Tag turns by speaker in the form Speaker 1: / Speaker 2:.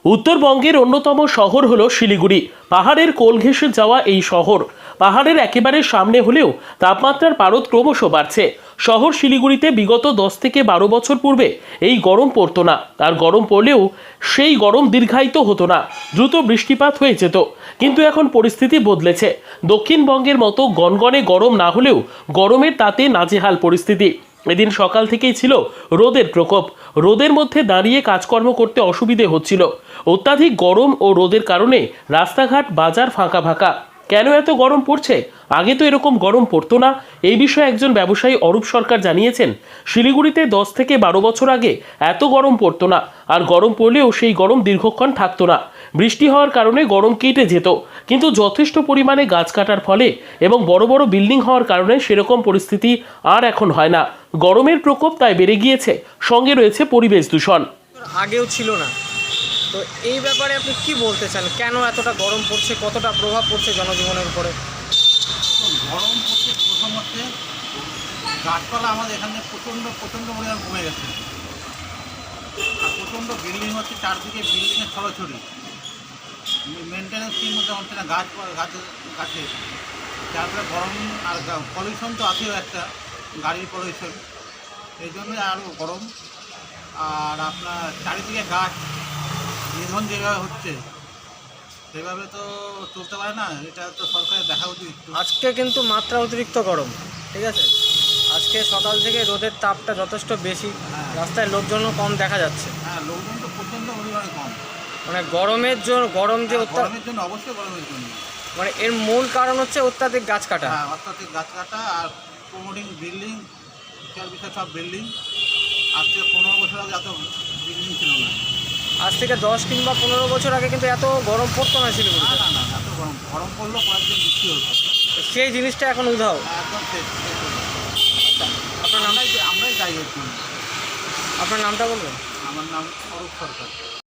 Speaker 1: উত্তরবঙ্গের অন্যতম শহর হলো শিলিগুড়ি। পাহাড়ের কোল ঘেঁষে যাওয়া এই শহর পাহাড়ের একেবারে সামনে হলেও তাপমাত্রার পারদ ক্রমশ বাড়ছে। শহর শিলিগুড়িতে বিগত 10 থেকে 12 বছর পূর্বে এই গরম পড়তো না, আর গরম পড়লেও সেই গরম দীর্ঘায়িত হতো না, দ্রুত বৃষ্টিপাত হয়ে যেত। কিন্তু এখন পরিস্থিতি বদলেছে। দক্ষিণবঙ্গের মতো গনগনে গরম না হলেও গরমের তাতে নাজেহাল পরিস্থিতি। এদিন সকাল থেকেই ছিল রোদের প্রকোপ। রোদের মধ্যে দাঁড়িয়ে কাজকর্ম করতে অসুবিধে হচ্ছিল। অত্যাধিক গরম ও রোদের কারণে রাস্তাঘাট বাজার ফাঁকা ফাঁকা। কেন এত গরম পড়ছে? আগে তো এরকম গরম পড়তো না। এই বিষয়ে একজন ব্যবসায়ী অরূপ সরকার জানিয়েছেন, শিলিগুড়িতে 10 থেকে 12 বছর আগে এত গরম পড়তো না, আর গরম পড়লেও সেই গরম দীর্ঘক্ষণ থাকতো না। বৃষ্টি হওয়ার কারণে গরম কেটে যেত, কিন্তু যথেষ্ট পরিমাণে গাছ কাটার ফলে এবং বড় বড় বিল্ডিং হওয়ার কারণে সেরকম পরিস্থিতি আর এখন হয় না। গরমের প্রকোপ তাই বেড়ে গিয়েছে, সঙ্গে রয়েছে পরিবেশ দূষণ।
Speaker 2: আগেও ছিল না, তো এই ব্যাপারে আপনি কি বলতে চান? কেন এতটা গরম পড়ছে, কতটা প্রভাব পড়ছে জনজীবনের উপরে?
Speaker 3: গরম পড়ছে প্রথম হচ্ছে গাছপালা আমাদের এখানে প্রচণ্ড পরিমাণ কমে গেছে, আর প্রচণ্ড বিল্ডিং হচ্ছে, চারদিকে বিল্ডিংয়ের ছড়াছড়ি, মেনটেন্যান্স ঠিক মতো হচ্ছে না, গাছে তারপরে গরম, আর পলিউশন তো আছেও একটা, গাড়ির পলিউশন, এই জন্যই আরও গরম। আর আপনার চারিদিকে গাছ নিধন যেভাবে হচ্ছে সেভাবে তো চলতে পারে না, এটা তো সরকারের দেখা উচিত।
Speaker 2: আজকে কিন্তু মাত্রা অতিরিক্ত গরম, ঠিক আছে? আজকে সকাল থেকে রোদের তাপটা যথেষ্ট বেশি, রাস্তায় লোকজনও কম দেখা যাচ্ছে।
Speaker 3: হ্যাঁ, লোকজন তো প্রচণ্ড পরিমাণে কম।
Speaker 2: মানে গরমের জন্য,
Speaker 3: গরমের জন্য, অবশ্যই গরমের জন্য।
Speaker 2: মানে এর মূল কারণ হচ্ছে অত্যাধিক গাছ কাটা।
Speaker 3: হ্যাঁ, অত্যাধিক গাছ কাটা আর প্রমোটিং বিল্ডিং, বিষয় সব বিল্ডিং। আজ থেকে 15 বছর আগে এত বিল্ডিং ছিল না।
Speaker 2: আজ থেকে 10 কিংবা 15 বছর আগে কিন্তু এত গরম পড়তো না শিলিগুড়িতে।
Speaker 3: না, এত গরম পড়লেও কয়েকদিন বৃষ্টি হতো।
Speaker 2: সেই জিনিসটা এখন উধাও।
Speaker 3: একদম শেষ হতো।
Speaker 2: আপনার নাম?
Speaker 3: আমরাই দায়ী হচ্ছি।
Speaker 2: আপনার নামটা বলবেন?
Speaker 3: আমার নাম অরূপ সরকার।